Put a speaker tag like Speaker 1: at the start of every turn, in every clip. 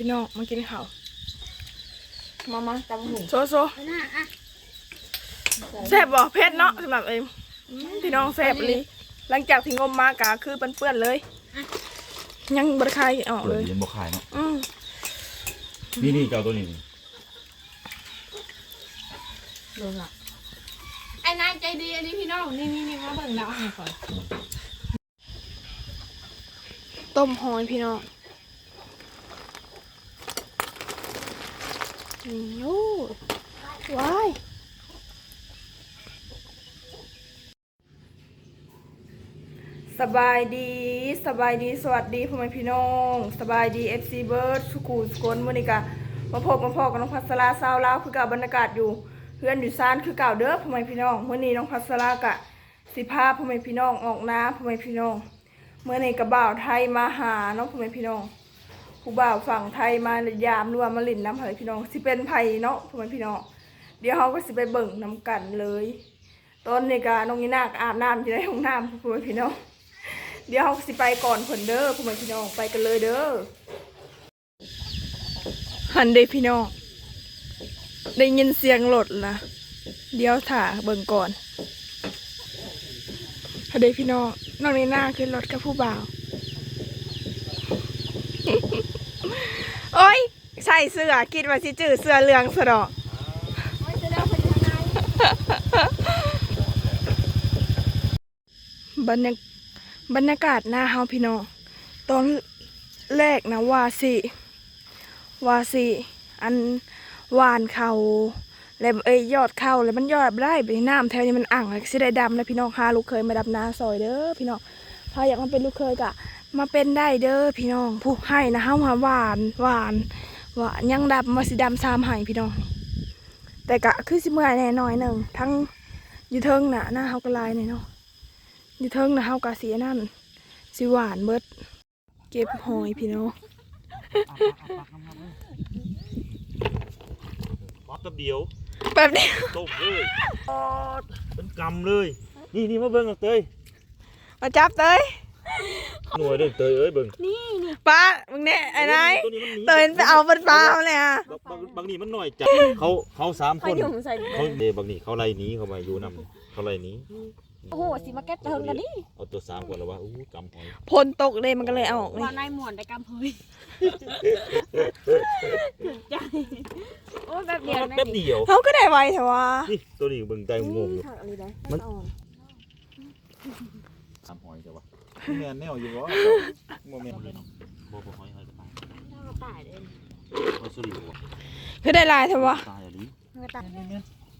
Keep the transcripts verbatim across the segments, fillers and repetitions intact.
Speaker 1: พี่น้องมากินข้าว
Speaker 2: มามาตำหู
Speaker 1: โซโซแซ่บบ่เผ็ดเนาะสำหรับเอ็มพี่น้องแซ่บเลยหลังจากที่งมมากะคือเปื้อนๆเลยยังบริคายออกเลย
Speaker 3: ยังบ่ขายเนาะ
Speaker 1: อืม
Speaker 3: นี่นี่เจ้าตัวนี้
Speaker 2: ดูละไอ้นายใจดีอันนี้พี่น้องนี่นี่นี่มาเบิ่งดาวให้ก่อน
Speaker 1: ต้มหอยพี่น้องนี่โอ้ว้ายสบายดีสบายดีสวัสดีพ่อแม่พี่น้องสบายดีเอฟซีเบิร์ดสุกูสกลมื้อนี้กะมาพบมาพอกับน้องพัสราสาวลาวคือกับบรรยากาศอยู่เพื่อนอยู่ซานคือเก่าเด้อพ่อแม่พี่น้องมื้อนี้น้องพัสรากะสิพาพ่อแม่พี่น้องออกน้ำพ่อแม่พี่น้องเมื่อนี้กะบ่าวไทยมาหาน้องพ่อแม่พี่น้องผู้บ่าวฝั่งไทยมายามรวมมาลิ่นน้ำพ่อแม่พี่น้องสิเป็นไผเนาะพ่อแม่พี่น้องเดี๋ยวเฮาก็สิไปเบิ่งน้ำกันเลยตอนนี้กะน้องนีน่าอาบน้ำอยู่ในห้องน้ำพ่อแม่พี่น้องเดี๋ยวเราสิไปก่อนผลเด้อพ่อแม่พี่น้องไปกันเลยเด้อหันเด้พี่น้องได้ยินเสียงรถนะเดี๋ยวถ่าเบิ่งก่อนหันเด้พี่น้องน้องในหน้าขึ้นรถกับผู้บ่าว โอ้ยใส่เสื้อคิดว่าสิจื้อเสื้อเหลืองสะดอกบรรยากาศบรรยากาศหน้าเฮาพี่น้องตอนแรกนะว่าสิว่าสิอันหวานเขาแล้วเอ้ยยอดเขาแล้วมันยอดได้ไปน้ำแถวนี้มันอ่างเลยสิได้ดำแล้วพี่น้องหาลูกเคยมาดำนาซอยเด้อพี่น้องพาอยากมาเป็นลูกเคยกะมาเป็นได้เด้อพี่น้องผู้ให้นะเฮาหวานหวานหวานยังดำมาสิดำซ้ำให้พี่น้องแต่กะคือสิเมื่อยแน่น้อยหนึ่งทั้งอยู่เทิงน่ะหน้าเฮากระลายเนี่ยเนาะอยู่เทิงนะเฮากะสีนั่นสิหวานเบิดเก็บหอยพี่น้อง
Speaker 3: ป๊อปแป๊บเดียว
Speaker 1: แป๊บเดียว
Speaker 3: ต้มเลยเป็นกำเลยนี่นี่มาเบิ่งเอาเตย
Speaker 1: มาจับเตย
Speaker 3: หน่วยเด้อเตยเอ้ยเบิ่ง
Speaker 1: นี่นี่ป้ามึงเนี่ยไอ้นายเตยไปเอาเป็นปลาเลยอ่ะ
Speaker 3: บางบางนี่มันหน่อยจัดเขาเขาสามคนเขาเดบางนี่เขาไล่หนีเขามาอยู่นำเขาไล่หนี
Speaker 2: โอ้โหสิมาแก้เทิงกันนี่
Speaker 3: เอาตัวสามก่อนแล้วว่าอู้กำหอย
Speaker 1: พลตกเลยมันก็เลยเอาออกเลย
Speaker 2: ว่านายหมวนได้กำหอยใจโอ้แบบเดียว
Speaker 3: แป๊บเดียว
Speaker 1: เขาก็ได้ไวแต่ว่า
Speaker 3: นี่ตัวนี้เบิ่งใจงงอยู่มันกำหอยจ้ะวะแม่นแนวอยู่วะโมเมนต์บ่บ่หอยหอยกระต่ายกระต่ายเลยหอยสลิดวะ
Speaker 1: คือได้ลายแต่ว่า
Speaker 3: ตายอะไร
Speaker 2: กระต่ายนี่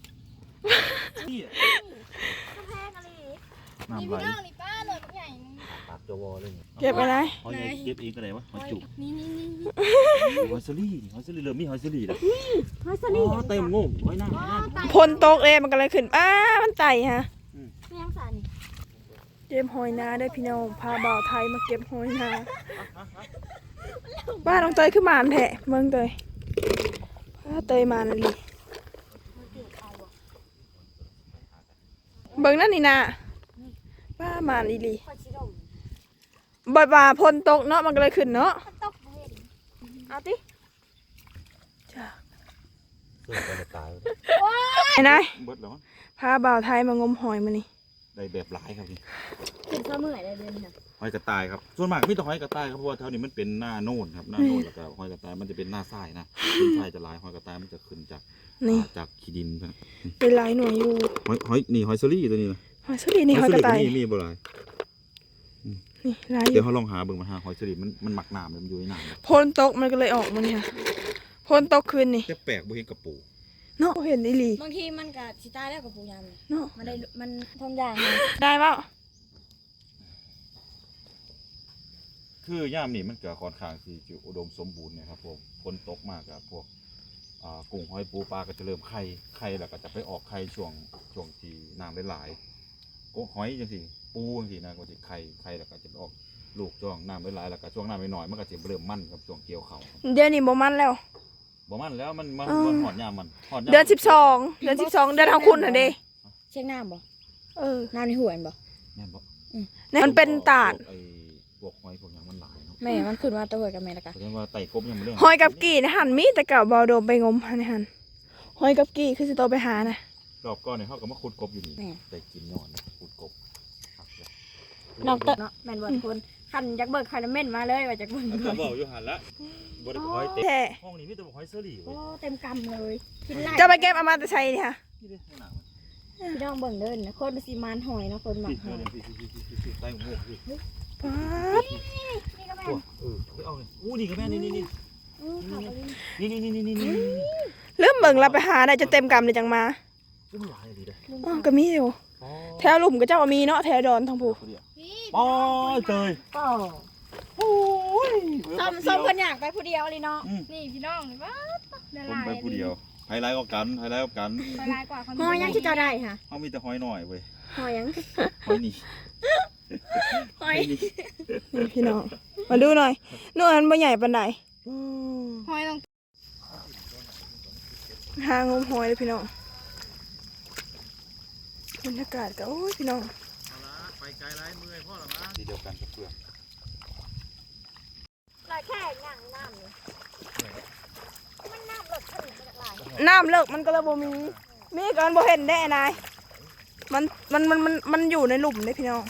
Speaker 3: น้ำไหลนี่ป้าเลยใหญ่ปากจะวอเลย
Speaker 1: เก็บไปไหน
Speaker 3: หอยเก็บเองก็ได้วะหอยจุก
Speaker 2: นี่นี่นี่
Speaker 3: หอยสลิดหอยสลิดเริ่มมีหอยสลิดแล้ว
Speaker 2: หอยสลิด
Speaker 3: เต็มงงหอยหน้า
Speaker 1: พลตกเลยมันก็เลยขึ้นอ้ามันไต่ฮะ
Speaker 2: ไม่ยังสานี่
Speaker 1: เก็บหอยนาได้พี่น้องพาบ่าวไทยมาเก็บหอยนาบ้านน้องเตยขึ้นมาแทะเมืองเตยเตยมานั่นดิเบิ่งนั่นนี่นะป้ามาอีลีบ่อยบ่าพลตกเนาะมันก็เลยขึ้นเนาะเอาติจ้าไอ้นายพาบ่าวไทยมางมหอยมานี่
Speaker 3: ได้แบบหลายครับพี่
Speaker 2: ขึ้นเสมอได้เดือนน่ะ
Speaker 3: หอยกระต่ายครับส่วนมากมีแต่หอยกระต่ายครับเพราะว่าแถวนี้มันเป็นหน้าโน่นครับหน้าโน่นแล้วก็หอยกระต่ายมันจะเป็นหน้าทรายนะขึ้นทรายจะหลายหอยกระต่ายมันจะขึ้นจากจากขี้ดินครับ
Speaker 1: เป็นหลายหน่วยอยู่
Speaker 3: หอยหอยนี่หอยสลี่ตัวนี้นะ
Speaker 1: หอยสลี่นี่หอยกระต่าย
Speaker 3: นี่มีบ่หลาย
Speaker 1: นี่หลาย
Speaker 3: เดี๋ยวเขาลองหาเบิ่งมาหาหอยสลี่มันมันหมักน้ำมันอยู่ในน้ำ
Speaker 1: พลตกมันก็เลยออกมันเนี่ยพลตกคืนนี่
Speaker 3: จะแปลกบ่เห็นกระปู
Speaker 1: เนาะเห็นอีหลี
Speaker 2: บางทีมันกับชิตาแล้วกับปูยาม
Speaker 1: เนาะ
Speaker 2: มันได้มันทนอย่าง
Speaker 1: ได้เปล่า
Speaker 3: คือย่ามนี่มันเกิดค่อนข้างที่จะอุดมสมบูรณ์นะครับพวกฝนตกมากกับพวกกุ้งหอยปูปลาก็จะเริ่มไข่ไข่แล้วก็จะไปออกไข่ช่วงช่วงที่น้ำหลายๆกุ้งหอยจังสิปูจังสินะก็จะไข่ไข่แล้วก็จะออกลูกช่วงน้ำหลายๆแล้วก็ช่วงน้ำน้อยๆมันก็จะเริ่มมั่นกับช่วงเกี่ยวเขา
Speaker 1: เดือนนี้บ่มันแล้ว
Speaker 3: บ่มันแล้วมันมันมันหอดยามมัน
Speaker 1: เดือนสิบสองเดือนสิบสองเดือนเท่าคุณน่ะเด้
Speaker 2: เช็คน้ำบ่
Speaker 1: เออ
Speaker 2: น้ำในหัวบ่
Speaker 3: แม่นบ่
Speaker 1: มันเป็นตาด
Speaker 3: ไอ้พวกหอยพวกอย่างมันหลายเนาะ
Speaker 2: แม่มันขึ้นมาตัวกับแม่ละกัน
Speaker 3: แสดงว่าไต่กบยังไม่เรื่อง
Speaker 1: หอยกับกี่นะหันมีแต่เก่าเบาโดมไปงมหันหันหอยกับกี่คือสิโตไปหานะ
Speaker 3: รอบก่อนเนี่ยเขาก็มาขุดกบอยู่นี่แต่กินนอนขุดกบ
Speaker 2: นอกจากเนาะแม่นบ่ทุกคนคันจักเบิกคันเม่นมาเลยว่าจักเบิก
Speaker 3: เขาบอกอยู่หันละบริหอยเต็ม
Speaker 1: แท้
Speaker 3: ห้องนี้มีแต่หอยเซอรี่
Speaker 2: โอ้
Speaker 3: เว้ย
Speaker 2: เต็มกำเลยกินไล่
Speaker 1: จะไปเก็บเอามาแต่ใช้นี่ค่ะ
Speaker 3: นี่เด้ข้างหน้ามัน
Speaker 2: พี่น้องเบิ่งเด้อนะคนสิมานหอยเนาะคนหมักหอย
Speaker 3: ใต้หัวพี่
Speaker 1: ป๊าด
Speaker 2: นี่ก็แม่
Speaker 3: ตัวเออไปเอาเลยอู้นี่ก็แม่นี่นี่นี่
Speaker 2: อือค่ะ
Speaker 3: นี่นี่นี่นี่นี่นี่
Speaker 1: เริ่มเบิ่งเราไปหาได้จะเต็มกำเลยจังมา
Speaker 3: อุ้มหลายดีเลย
Speaker 1: อ๋อก็มีอยู่แถวหลุมก็เจ้าว่ามีเนาะแถวดอนทางผู้
Speaker 3: อ๋อเตย
Speaker 2: ก็
Speaker 3: โอ้ย
Speaker 2: ส้มส้มเพิ่นอยากไปผู้เดียวเลยเนาะนี่พี่น้องนี่ว่าละ
Speaker 3: ผม
Speaker 2: ลาย
Speaker 3: ไปผู้เดียวไฮไลท์ก็กันไฮไลท์ก็กัน
Speaker 2: ละลายกว่าคนหอยยังที่จะได้ค่ะ
Speaker 3: เขามีแต่หอยหน่อยเว้ย
Speaker 2: หอยยัง
Speaker 3: หอยนี่
Speaker 2: หอย
Speaker 1: นี่พี่น้องมาดูหน่อยนู่นอันบ่ใหญ่ปานใด
Speaker 2: หอยต้อง
Speaker 1: หางมหอยเลยพี่น้องบรรยากาศก็โอ้ยพี่น้อง
Speaker 3: ไปไกลไรเมื่อยพ่อหรอมาทีเดียวกันกับเพื่อน
Speaker 2: ลายแค่ย่างน้ำเลยมันน้ำลดขึ้นจากลาย
Speaker 1: น้ำเลิกมันก็เลยบ่มีมีก็มันบ่เห็นได้นายมันมันมันมันมันอยู่ในหลุมเลยพี่น้อง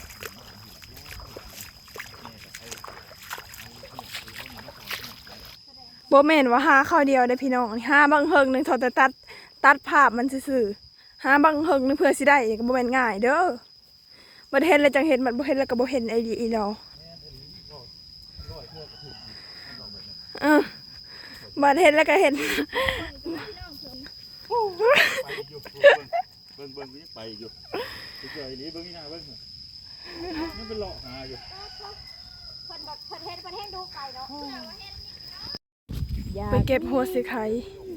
Speaker 1: บ่แม่นว่าหาข้าวเดียวได้พี่น้องหาบางเฮิงหนึงเทอแต่ตัดตัดภาพมันซื่อๆหาบางเฮิงหนึงเพื่อสิได้ก็บ่แม่นง่ายเด้อบ่เห็นแล้วจังเห็นมันบ่เห็นแล้วก็บ่เห็นไอ้ดีอีดอกเออบ่เห็นแล้วก็เห็น
Speaker 3: ไปอยู่เบิ้งเบิ้งนี่ไปอยู่เฉยๆนี้เบิ้งนี่นะเบิ้งนี่เป็นหลอกหาอยู่
Speaker 2: คนแบบคนเฮ็ดคนเฮ็ดดูไก่เนาะ
Speaker 1: ไปเก็บหัวสิไข่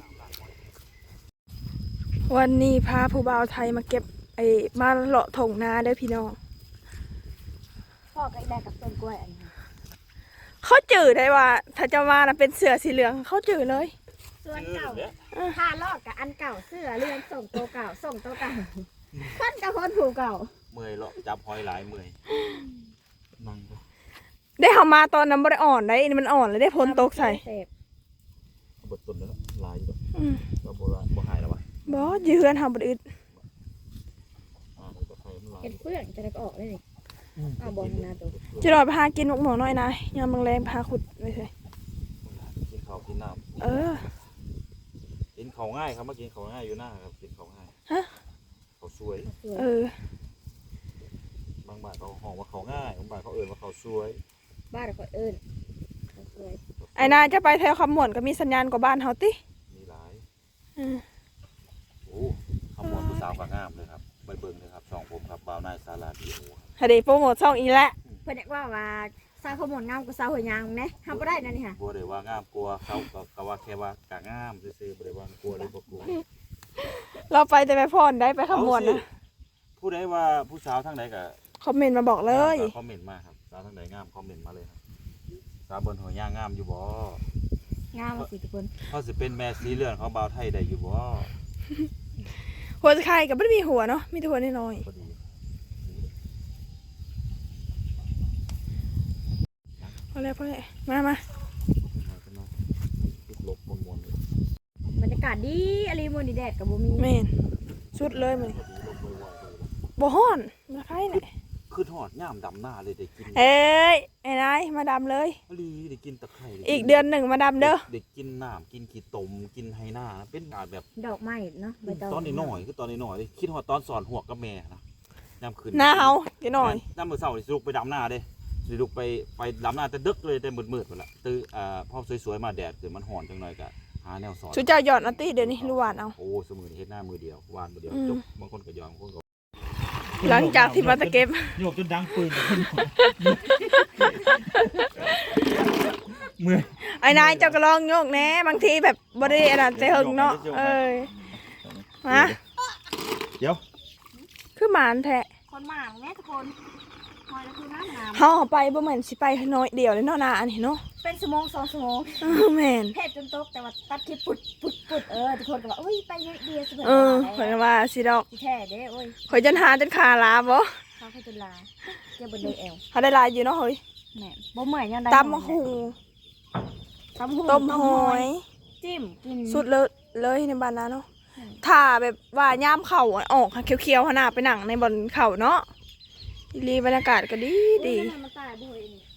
Speaker 1: วันนี้พาผู้บ่าวไทยมาเก็บไอ้มาเลาะถงนาเด้อพี่น้อง
Speaker 2: พ่อก็ได้กับต้นกล้วยอันนี้
Speaker 1: เขาจืดได้ว่าถ้าจะมานะเป็นเสือสีเหลืองเขาจืดเลย
Speaker 2: ส่วนเก่าผ้าลอกกับอันเก่าเสื้อเรือนส่งตัวเก่าส่งตัวเก่าคนกับคนผูเก่า
Speaker 3: เมื่อยหรอกจับหอยหลายเมื่อยนั่งก็
Speaker 1: ได้เขามาตอนนั้นบ่ได้อ่อนได้นี่มันอ่อนเลยได้พ้นตกใส่
Speaker 2: เสพ
Speaker 3: บดตุนแล้วลายอยู่
Speaker 1: อืม
Speaker 3: ก็โบราณบ่หายแล้ววะ
Speaker 1: บอสยืนทำบไดอึด
Speaker 3: อ่าก็ใครมันลาย
Speaker 2: เห็นเพื่อนจะได้ก็ออกเลยนี่เอาบอลนาตัว
Speaker 1: จะรอไปหากินหมกหมอน้อยนะยามบางแรงพาขุดไปเลย
Speaker 3: กินข้าวกินน้ำ
Speaker 1: เออ
Speaker 3: กินเขาง่ายครับเมื่อกี้เขาง่ายอยู่หน้าครับกินเขาง่าย
Speaker 1: ฮะ
Speaker 3: เขาสวย
Speaker 1: เออ
Speaker 3: บางบ้านเขาห้องว่าเขาง่ายบางบ้านเขาเอ่ยว่าเขาสวย
Speaker 2: บ้านเขาเอิญสวย
Speaker 1: ไอ้นายจะไปแถวคำหมวนก็มีสัญญาณกว่าบ้านเขาติ
Speaker 3: มีหลาย
Speaker 1: อืม
Speaker 3: โอ้ขมวดผู้สาวกับงามเลยครับไปเบิ่งเลยครับสองผมครับบ่าวนายสาราดีโอครับ
Speaker 1: ฮะเดโปรโมทช่องอีกแล้ว
Speaker 2: เพื่อนว่าว่าสาวขมวดงามกับสาวหัวยางนะทำก็ได้นะนี่ค่ะ
Speaker 3: บัวเลยว่างามกลัวเขาก็ก็ว่าแค่ว่ากะงามซื่อๆบ่ได้ว่ากลัวหรือบ่กลัว
Speaker 1: เราไปแต่ไปพรได้ไปคำหมวนนะ
Speaker 3: ผู้ใดว่าผู้สาวทางใดก็
Speaker 1: คอมเมนต์มาบอกเลย
Speaker 3: คอมเมนต์มาครับสาวทางใดงามคอมเมนต์มาเลยครับสาวบนหัวย่างงามอยู่บ่
Speaker 2: งามมาสิทุกคน
Speaker 3: เขาสิเป็นแม่สีเลือนของบ่าวไทยได้อยู่บ่
Speaker 1: หัวจะใครกับไม่ได้มีหัวเนาะมีแต่หัวน้อย
Speaker 3: พอดี
Speaker 1: ๆพอแล้วพอแล้วมามา
Speaker 3: มาขึ้นมาลุกลบมวนๆเลย
Speaker 2: บรรยากาศดีอะไรมือดีแดดกับบุมี
Speaker 1: เมนสุดเลยมัน
Speaker 3: พอดีลบไวๆเลย
Speaker 1: บ่ฮ้อนมาใครเนี่ย
Speaker 3: คือทอดย่ามดำหน้าเลยได้กิน
Speaker 1: เอ้ยไอ้นายมาดำเลย
Speaker 3: พอดีได้กินตะไคร้
Speaker 1: อีกเดือนหนึ่งมาดำเด้อ
Speaker 3: ได้กินน้ำกินขี้ตมกินไฮหน้านะเป็นอาดแบบ
Speaker 2: ดอกไม้เนาะใบตอง
Speaker 3: ตอนนี้หน่อยคือตอนนี้หน่อยคิดว่าตอนสอนหัวกับแม่นะย่ำคืน
Speaker 1: หน้าเฮาเดี๋ยวหน่อย
Speaker 3: น้ำมือเสาร์สิลุกไปดำหน้าเด้สิลุกไปไปดำหน้าแต่ดึกเลยแต่มืดๆหมดละตื่นอ่าพอสวยๆมาแดดคือมันห่อนจังหน่อยกะหาแนวสอน
Speaker 1: ชุดเจ้าหยอดนัตตี้เดี๋ยวนี้รู้หวานเอา
Speaker 3: โอ้สมือนี่เฮ็ดหน้ามือเดียววานมือเดียว
Speaker 1: อืม
Speaker 3: จบบางคนก็ยอมบางคนก็
Speaker 1: หลังจากที่มาตะเก็บ
Speaker 3: โยกจนดังปืนเมื่อย
Speaker 1: ไอ้นายเจ้าก็ลองโยกแหน่บางทีแบบบริเวณนั้นใจหึงเนาะเอ้ยมา
Speaker 3: เดี๋ยว
Speaker 1: คือหมานแท้
Speaker 2: คนหมางแม่ทุกคนหอยแล้วคือน้ำงาม
Speaker 1: เฮาเอาไปบ่เหมือนสิไปน้อยเดียวเลยเนาะนาอันนี้เนาะ
Speaker 2: เป็นชั่วโมงสองชั่วโมง
Speaker 1: เออแม่น
Speaker 2: เผ็ดจนตกแต่ว่าตัดคลิปปุดปุดปุดเออทุกคนก็บอกอุ้ยไปเยอะเดียวสบาย
Speaker 1: เออข่อยก็ว่าสิดอก
Speaker 2: ที่แท้เด้โอ้ย
Speaker 1: ข่อยจนหาจนขาลาบ่
Speaker 2: เขาเคยจุลาเจ้าบนเลยแอล
Speaker 1: เขาได้ลายอยู่เนาะเฮ้ย
Speaker 2: แม่บ่เมื่อยยังได้
Speaker 1: ตำมะฮุง
Speaker 2: ตำหู
Speaker 1: ต้มหอย
Speaker 2: จิ้มกิน
Speaker 1: สุดเลยเลยในบ้านนั้นเนาะถ้าแบบว่าย่ามเข่าอะออกค่ะเคี้ยวๆขนาดไปหนังในบนเข่าเนาะอีหลีบรรยากาศก็ดีดี
Speaker 2: อุ๊ยทำไมมันตายบ่อยนี่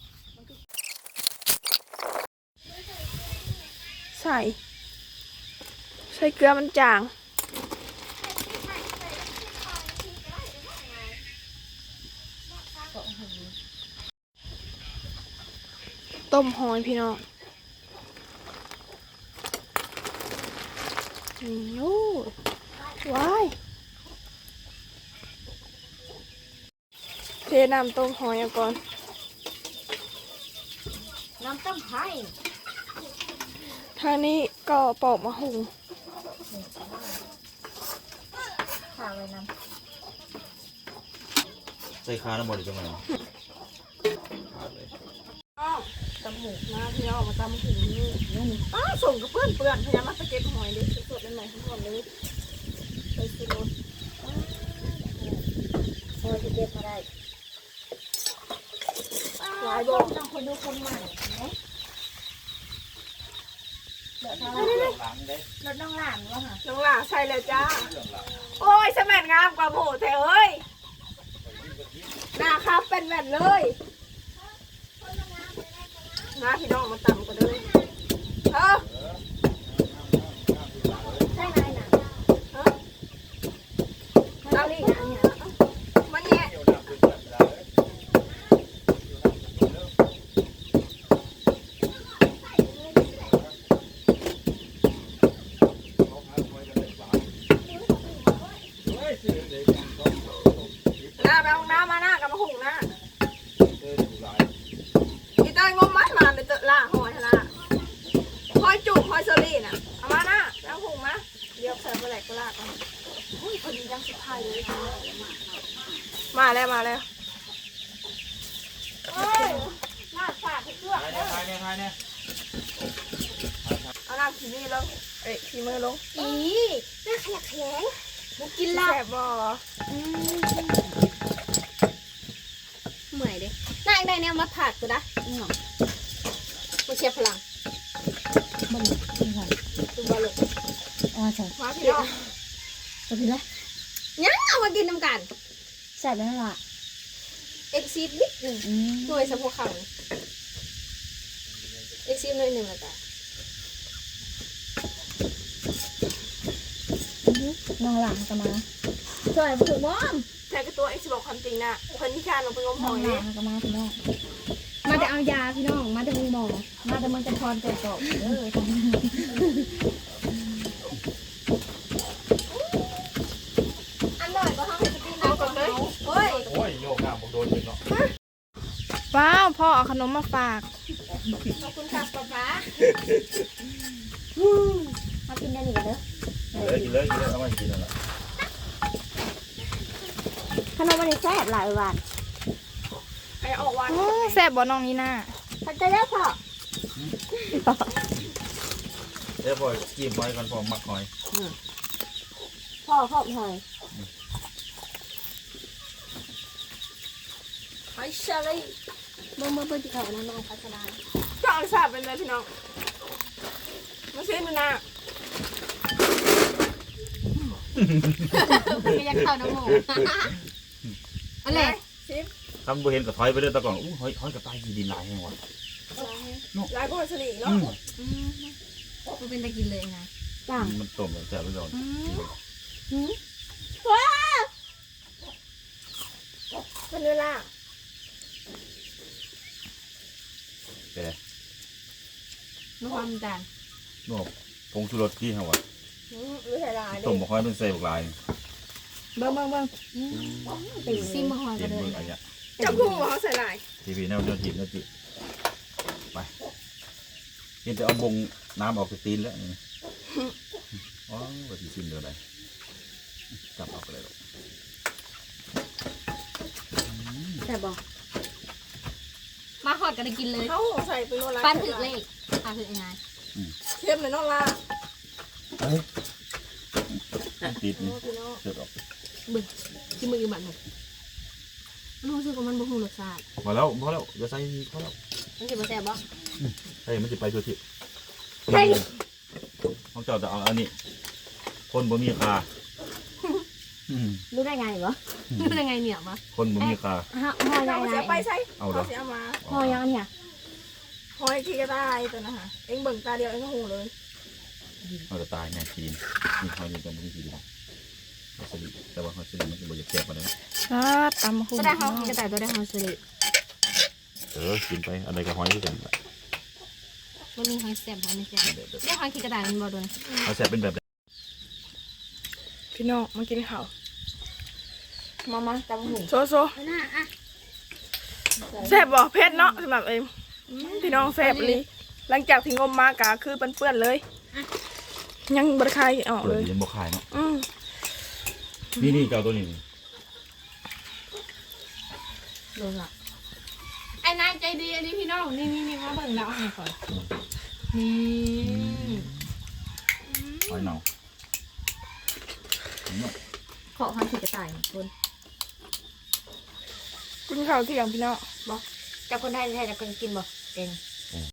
Speaker 1: ใส่ใส่เกลือมันจาง ต้มหอยพี่น้องนี่โอ้ว้ายเทน้ำต้มหอยเอาก่อน
Speaker 2: น้ำต้มไผ่
Speaker 1: ทางนี้ก็ปอกมะฮุง
Speaker 2: ข้าวไว้น้
Speaker 3: ใส่คาน้ำบอลจังไงขาดเลย
Speaker 1: ตำหมูนะพี่น้องมาตำหูนี่อ้าส่งกับเพื่อนเปื่อนพยายามมาสเก็ตหอยดิสดๆเลยไหมทั้งหมดเลยไปซื้อรถ
Speaker 2: ำเออจะเก็บมาได้
Speaker 1: หลายบอก
Speaker 2: ต้องคนดูคนใหม่เนาะเดี๋ยวถ้า
Speaker 3: หลังเด้
Speaker 2: รถน้องหลานวะค่ะ
Speaker 1: น้องหล่าใช่เลยจ้า โอ้ยสมัยงามกว่าหมูเถอะเอ้ยหน้าครับเป็นแบบเลยนะพี่น้องมาตำกันเลยเออ
Speaker 2: ใช่ไหมน่ะ
Speaker 1: เออ
Speaker 2: เจ้าลี่นะเนี่ย
Speaker 1: มันแย่หน้าไปห้องน้ำมาหน้ากับมาหุงหน้าอีเต้ยงมมัดมาเลยเจอล่าหอยล่าหอยจุกหอยเซอรี่น่ะเอามาหน้าแล้วหุงมาเดี๋ยวใส่ไปไหนก็ลากมาอุ้ยพอดียังสุดท้ายเลยมาแล้วมาแล้วเฮ้ยลากฝาดให้เกลือ
Speaker 3: ถ่ายเนี่ยถ่ายเนี่ยถ่ายเนี่ย
Speaker 1: เอาน้ำขีนี่ลงเอ้ยขีมือลง
Speaker 2: อีน่าขยักแข็งบุกิน
Speaker 1: แส
Speaker 2: ลา
Speaker 1: บบ่
Speaker 2: เหมื่อยดิน่าอีกได้เนี่ยมาผัดกูนะอืมมาเชียร์พลังมันจริงค่ะ
Speaker 1: ตุ้มบอลลูก
Speaker 2: อ๋อใช่
Speaker 1: มาพี่น้อง
Speaker 2: ตัวพี่ละยังเอามากินน้ำกันใส่ไปแล้วล่ะเอ็กซีดนิดหนึ่งหน่วยสะโพกขังเอ็กซีดหน่วยหนึ่งแล้วกันน้องหลังจะมาช่วยถือบ้อม
Speaker 1: แทนกับตัวเอ็กซ์บอกความจริงนะเพิ่นที่ชาลงไปงมห
Speaker 2: น้อ
Speaker 1: อง ย
Speaker 2: หลั
Speaker 1: นี่
Speaker 2: งจะมาพี่น้องมาจะเอายาพี่น้องมาจะมีหมอมาจะมันจะพรตัวตกเอออันหน่อยก็ทำให้กิน
Speaker 1: เอาก่อนเลยเฮ้ย
Speaker 3: โอ้ยโยกหน้าผมโดนเลยเนาะ
Speaker 1: ว้าวพ่อเอาขนมมาฝาก
Speaker 2: ขอบคุณค่ะป๊าป๊ามากินได้หนิกันเด้อ
Speaker 3: กินเลยกินเลยกินเลยเอามากินนั่นแหละ
Speaker 2: ขนมมันแซ่บหลายวัน
Speaker 1: ไอออกวันแซ่บบ่น้องนี่น่า
Speaker 2: พันใจแล้วพ่อ
Speaker 3: เดี๋ยวพอจิ้มไว้ก่อนพอมักหอย
Speaker 2: พ่อพ่อหอย
Speaker 1: หอยเชอรี่
Speaker 2: เมื่อเมื่อเมื่อที่เขาน้องน้องพัชรา
Speaker 1: ก็เอาสาบเป็นเลยพี่น้องมาซื้อดูนะ
Speaker 2: ไม่อยากเข้าน้ำหมูอะไร
Speaker 1: ซิม
Speaker 3: ทำบ่เห็นกับถอยไปเรื่อยตะก่อนอู้หอยหอยกับตายยีดินลายแห้งวะ
Speaker 1: ลายก็หอยเชอรี่เนาะ
Speaker 2: มันเป็นตะกินเลยนะจ้า
Speaker 3: มันต้มแล้วแซ่บไปก่อน
Speaker 1: ว้าเป็นเวลา
Speaker 3: แต่
Speaker 2: น้องความจาน
Speaker 3: นวกผงชูรสที่ฮะวะ
Speaker 1: หรือใส่ลาย
Speaker 3: ต้มบ่ค่อยเป็นใส่บักลาย
Speaker 2: เบิ้งเบิ้งเบิ้งติดซิมมาหอย
Speaker 3: เห็
Speaker 2: กัน
Speaker 3: น
Speaker 2: เล
Speaker 3: มื
Speaker 2: ย
Speaker 3: ออะไรเงี้ย
Speaker 1: จับกุ้งเหรอใส่ลาย
Speaker 3: ทีวีแนวเดียวจีบแนวจีบไปเห็นจะเอาบงน้ำออกจากตีนแล้วนี่อ๋อว่าที่ซิมเดียวไหนจับออกไปเลยหรอก
Speaker 2: แต่บอกมาหอดกันได้กินเลย
Speaker 1: เขาใส่เป็นโลละ
Speaker 2: ปั้นถึกเลขปั้นถึกยังไง
Speaker 1: เข้มเลยน้องล่า
Speaker 3: เฮ้ยติดนี่
Speaker 1: พี่น้อง
Speaker 3: เสร็จออก
Speaker 2: บึ้งที่มือบันหมดรู้สึกว่ามันบ่ฮู้รสชาติ
Speaker 3: พอแล้วพอแล้วอย่าใส่อีกพอแล้ว
Speaker 2: มันสิบ่แซ่บบ่
Speaker 3: ใส่มันจะไปตัวที่
Speaker 2: เฮ้ย
Speaker 3: เขาเจ้าจะเอาอันนี้คนบ่มีค่าอืม
Speaker 2: รู้ได้ไงบ่รู้ได้ไงเนี่ยบ่
Speaker 3: คนบ่มีค่า
Speaker 2: ฮะห่อยั
Speaker 1: เรา
Speaker 2: งไง
Speaker 1: เสียไปใช่
Speaker 3: เอาเหรอ
Speaker 1: เขาเสียมา
Speaker 2: ห่อยังเนี่ย
Speaker 1: หอยขี้กระต่ายตัวนะฮะเอ็งเบิ่งตาเดียวเอ็งก็หูเลย
Speaker 3: เราจะตายแน่ทีนมีหอยนี่ก็บ่มีทีเดียวหอยสลิดแต่ว่าหอยสลิดมันจะบ่อยากแซ่บกว่านั้น
Speaker 1: ครับตำหู
Speaker 2: ตัวได้ห่อกินกระต่ายตัวได้ห่อสลิด
Speaker 3: เออกินไปอะไรก็หอยคือกันล่ะ
Speaker 2: บ่มีหอยแซ่บหอยไม่แซ่บเรียกหอยกินกระต่ายมันบ่โดน
Speaker 3: หอยแซ่บเป็นแบบไหน
Speaker 1: พี่น้องมากินข้าว
Speaker 2: มามาตำหู
Speaker 1: โซโซ
Speaker 2: น่าอ่ะ
Speaker 1: แซ่บบ่เผ็ดเนาะสำหรับเอ็มอืมพี่น้องแซ่บเลยหลังจากที่งมมากะคือเปื้อนๆเลย ยังบริคายออก
Speaker 3: เปิ
Speaker 1: เล
Speaker 3: ด
Speaker 1: ย
Speaker 3: เย็นบ่คายเนาะ
Speaker 1: อืม
Speaker 3: นี่นี่เจ้าตัวนี้นี่
Speaker 2: โดนละไอ้นายใจดีอันนี้พี่น้องนี่นี่นี่มาเบิ่งแล้วเอาให้ก่อนนี่
Speaker 3: หอยเน่า
Speaker 2: ขอหอยกินกระต่ายคน
Speaker 1: กินข้าวเที่ยงพี่น้อง
Speaker 2: บ่เจ้าคนไทยแท้จะกินบ่เก่ง